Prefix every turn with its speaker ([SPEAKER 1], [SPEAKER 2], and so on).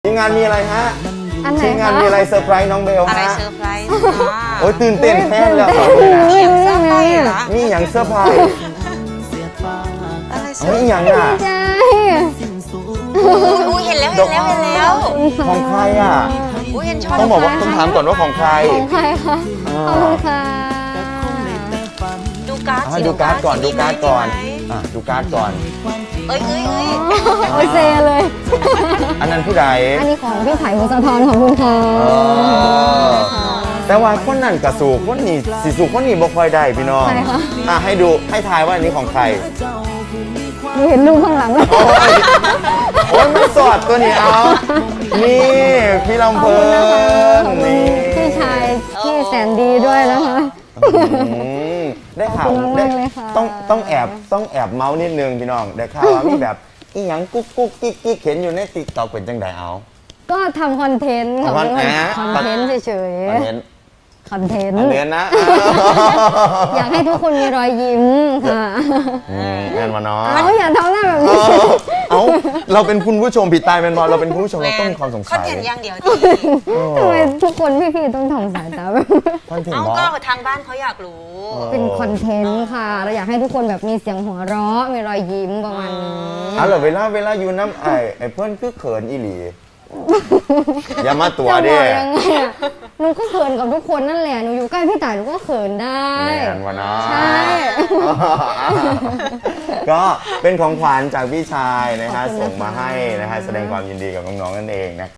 [SPEAKER 1] ทีมงานมีอะไรฮะ
[SPEAKER 2] อันไหน
[SPEAKER 1] ทีมงานมีอะไรเซอร์ไพรส์น้องเบล
[SPEAKER 3] อะไร
[SPEAKER 1] ฮะ
[SPEAKER 3] เซอร์ไพรส์
[SPEAKER 1] โอ้ยตื่นเต้นแค่เลย
[SPEAKER 3] เสียงเซอร์ไพรส์เหรอ
[SPEAKER 1] มีอย่างเซอร์ไพรส์
[SPEAKER 3] อะไรเซอ
[SPEAKER 1] เฮ้ย
[SPEAKER 3] ร์
[SPEAKER 1] อย่างอ่ะ
[SPEAKER 2] ใช่
[SPEAKER 3] อุ้ยเห็นแล้วเห็นแล้วเห็นแล้ว
[SPEAKER 1] ของใครอ่ะ
[SPEAKER 3] อุ้ยเห็นชอบ
[SPEAKER 1] ต้องบอกว่าต้องถามก่อนว่าของใคร
[SPEAKER 2] ของใครคะขอบคุณค่ะ
[SPEAKER 3] ดูการ์ดสิ
[SPEAKER 1] ดูการ์ดก่อน
[SPEAKER 3] สิ
[SPEAKER 1] ดูการ์ดก่อน
[SPEAKER 3] มีไหม
[SPEAKER 1] ดูการ์ดก่อน
[SPEAKER 3] เอ้ยเอ้ยเอ้ย
[SPEAKER 2] โอ้ยเซเลย
[SPEAKER 1] อันนั้นผู้ใด
[SPEAKER 2] อันนี้ของพี่ไผ่พงศธรของคุณค่ะ
[SPEAKER 1] เออแต่ว่าคนนั้นกับสู่คนนี้สิสู่คนนี้บ่ค่อยได้พี่น้อง
[SPEAKER 2] ใครคะ
[SPEAKER 1] ให้ดูให้ทายว่าอันนี้ของใคร
[SPEAKER 2] หนูเห็นรูปข้างหลังแล้ว
[SPEAKER 1] โอ้ยโอ้ยไม่สอดตัวนี้เอา นี่พี่ลำเพลิน
[SPEAKER 2] ขอบคุณ
[SPEAKER 1] นี่
[SPEAKER 2] พี่ชายที่แสนดีด้วยนะคะ
[SPEAKER 1] อืมได้ข่าว
[SPEAKER 2] ขอบคุณ
[SPEAKER 1] ได้
[SPEAKER 2] มากเลยค่ะ
[SPEAKER 1] ต้องแอบเมาส์นิดนึงพี่น้องได้ข่าวว่ามีแบบอีหยังกุ๊กกุ๊กกิ๊กกิ๊กเห็นอยู่ในติ๊กต็อกเป็นจังไดเอา
[SPEAKER 2] ก็ทำคอนเทนต์ค่ะ
[SPEAKER 1] คอนเทนต์
[SPEAKER 2] คอนเทนต์เฉย
[SPEAKER 1] อันเน้น
[SPEAKER 2] ๆคอนเทนต์
[SPEAKER 1] อันเน้นนะ
[SPEAKER 2] อยากให้ทุกคนมีรอยยิ้มค่ะ
[SPEAKER 1] เงินมาเนาะ
[SPEAKER 2] เอาอย่าทำหน้าแบบ
[SPEAKER 1] เอ
[SPEAKER 2] นี้
[SPEAKER 1] อเอาเราเป็นคุณผู้ชมผิดตายเป็นบอลเราเป็นคุณผู้ชมเราต้องมีความสง
[SPEAKER 3] คอ
[SPEAKER 1] สั
[SPEAKER 3] น
[SPEAKER 1] ย
[SPEAKER 3] เทนต์อย่างเดียวดี
[SPEAKER 2] ทำไมทุกคนพี่ๆต้องทำสายตาแบบ
[SPEAKER 1] คอนเทน
[SPEAKER 3] เอา
[SPEAKER 1] ต์บอ
[SPEAKER 3] ก็
[SPEAKER 1] ล
[SPEAKER 3] ทางบ้านเขาอยากรู้
[SPEAKER 2] เป็นคอนเทนต์ค่ะ เราอยากให้ทุกคนแบบมีเสียงหัวเราะมีรอยยิ้มประมาณนี้
[SPEAKER 1] เอาเหรอเวลาอยู่น้ำไอ้เพื่อนคือเขินอีหลีอย่ามาตัว
[SPEAKER 2] จะบ
[SPEAKER 1] ดิ
[SPEAKER 2] อกยังไงอะหนูก็เขินกับทุกคนนั่นแหละหนูอยู่ใกล้พี่ต่ายหนูก็เขินได้
[SPEAKER 1] เงินมาเนาะ
[SPEAKER 2] ใช่
[SPEAKER 1] ก็เป็นของขวัญจากพี่ชายนะฮะ
[SPEAKER 2] ขอบคุณนะคะ
[SPEAKER 1] ส่งมาให้นะฮะแสดงความยินดีกับน้องๆนั่นเองนะ